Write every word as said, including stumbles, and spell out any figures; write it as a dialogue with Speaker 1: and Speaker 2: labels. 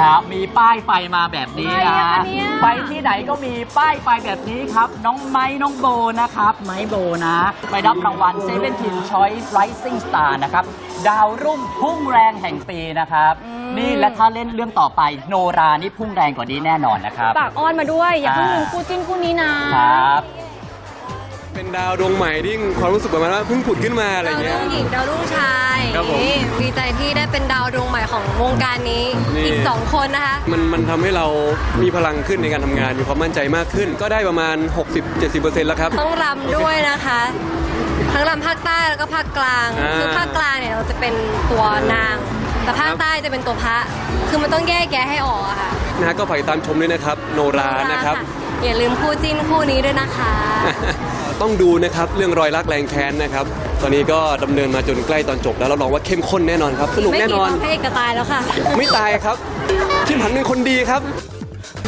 Speaker 1: ฮะมีป้ายไฟมาแบบนี้นะไปที่ไหนก็มีป้ายไฟแบบนี้ครับน้องไม้น้องโบนะครับไม้โบนะไปรับรางวัล เซเว่นทีน Choice Rising Star นะครับดาวรุ่งพุ่งแรงแห่งปีนะครับนี่และถ้าเล่นเรื่องต่อไปโนรานี่พุ่งแรงกว่านี้แน่นอนนะครับ
Speaker 2: ปากอ้อนมาด้วยอย่าเพิ่งลืมคู่จิ้นคู่นี้
Speaker 1: นะครับ
Speaker 3: เป็นดาวดวงใหม่ที่ความรู้สึกประมาณว่าเพิ่งผุดขึ้นมาอะไรเงี้ย
Speaker 4: ดาวรุ่งหญิงดาวรุ่งชาย
Speaker 3: ครับผม
Speaker 4: ดีใจที่ได้เป็นดาวดวงใหม่ของวงการนี้อีกสองคนนะคะ
Speaker 3: มันมันทำให้เรามีพลังขึ้นในการทำงานมีความมั่นใจมากขึ้นก็ได้ประมาณ หกสิบเจ็ดสิบเปอร์เซ็นต์ แล้วครับ
Speaker 4: ต้องรำด้วยนะคะทั้งรำภาคใต้แล้วก็ภาคกลางคือภาคกลางเนี่ยเราจะเป็นตัวนางแต่ภาคใต้จะเป็นตัวพระคือมันต้องแยกแยะให้ออกอะค่ะ
Speaker 3: นะฮะก็ฝากติดตามชมด้วยนะครับโนรานะครับ
Speaker 4: อย่าลืมคู่จิ้นคู่นี้ด้วยนะคะ
Speaker 3: ต้องดูนะครับเรื่องรอยรักแรงแค้นนะครับตอนนี้ก็ดำเนินมาจนใกล้ตอนจบแล้วเราลองว่าเข้มข้นแน่นอนครับสนุกแน่นอน
Speaker 4: ไม่กี่ตอนพระเอกก็ตายแล้วค่ะ
Speaker 3: ไม่ตายครับชิมหันเป็นคนดีครับ